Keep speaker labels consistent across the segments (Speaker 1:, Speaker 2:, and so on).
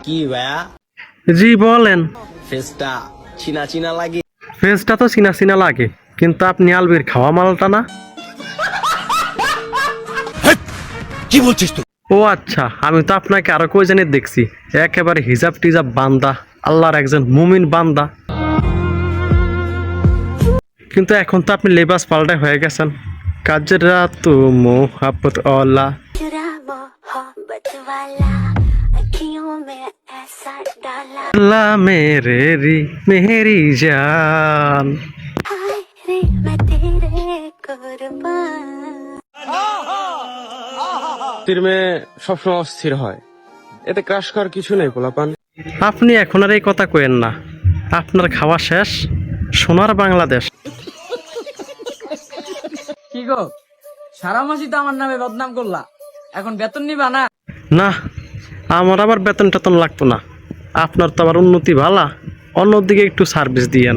Speaker 1: কি ভাইয়া?
Speaker 2: জি বলেন।
Speaker 1: ফেসটা চিনা চিনা লাগে।
Speaker 2: ফেসটা তো চিনা চিনা লাগে, কিন্তু আপনি আলবির খাওয়া মালটা না।
Speaker 3: কি বলছিস তুই?
Speaker 2: ও আচ্ছা, আমি তো আপনাকে আরো কই জানি দেখছি, একেবারে হিজাব টিজাব বান্দা, আল্লাহর একজন মুমিন বান্দা। কিন্তু এখন তো আপনি লেবাস পাল্টায় হয়ে গেছেন। কাজরা তু মোহাব্বত ওয়ালা। লা মেরি মেরি জান।
Speaker 4: তীর মেয়ে সবসময় অস্থির হয়, এতে ক্রাশ করার কিছু নেই পোলাপান।
Speaker 2: আপনি এখন আর এই কথা কইেন না, আপনার খাওয়া শেষ। সোনার বাংলাদেশ।
Speaker 5: কি গো, সারা মাসই তো আমার নামে বদনাম করলা, এখন বেতন নিবা না?
Speaker 2: না, আমার আবার বেতন টেতন লাগতো না। আপনার তো আবার উন্নতি ভালা, অন্যদিকে একটু সার্ভিস দিয়েন।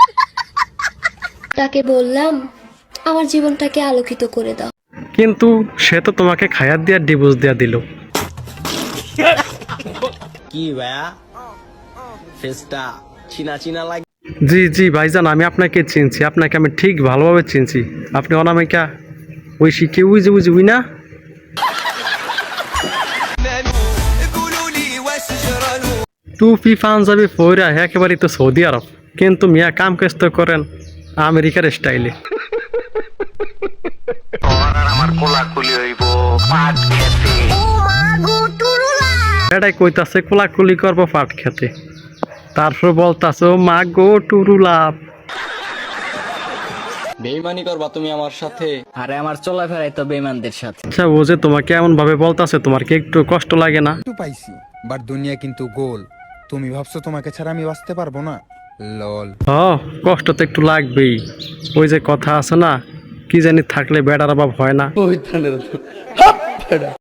Speaker 6: তাকে বললাম আমার জীবনটাকে আলোকিত করে দাও।
Speaker 2: কিন্তু সে তো তোমাকে খায়াত দিয়া ডিভোর্স দিয়া দিল।
Speaker 1: কি ভাইয়া? ফেসটা চিনা চিনা লাগে।
Speaker 2: জি জি ভাইজান, আমি আপনাকে চিনছি, আপনাকে আমি ঠিক ভালোভাবে চিনছি। আপনি অনামিকা ওই শিখে উই যে উই না। টুপি পাঞ্জাবি পইরা একেবারেই তো সৌদি আরব, কিন্তু মিয়া কাম কাজ তো করেন আমেরিকার স্টাইলে। এটাই কইতাছে কোলাকুলি করবো পাট খেতে, তারপর বলতাছে ও মা গো টুরুলাপ।
Speaker 7: বেইমানি করবা তুমি আমার সাথে?
Speaker 5: আরে আমার চলাফেরাই তো বেঈমানদের সাথে।
Speaker 2: আচ্ছা, ও যে তোমাকে এমন ভাবে বলতাছে, তোমার কি একটু কষ্ট লাগে না?
Speaker 3: একটু পাইছি, বাট দুনিয়া কিন্তু গোল। তুমি ভাবছো তোমাকে ছাড়া আমি বাঁচতে পারবো না? লল।
Speaker 2: কষ্ট তো একটু লাগবেই। ওই যে কথা আছে না, কি জানি থাকলে বেড়ার অভাব হয় না।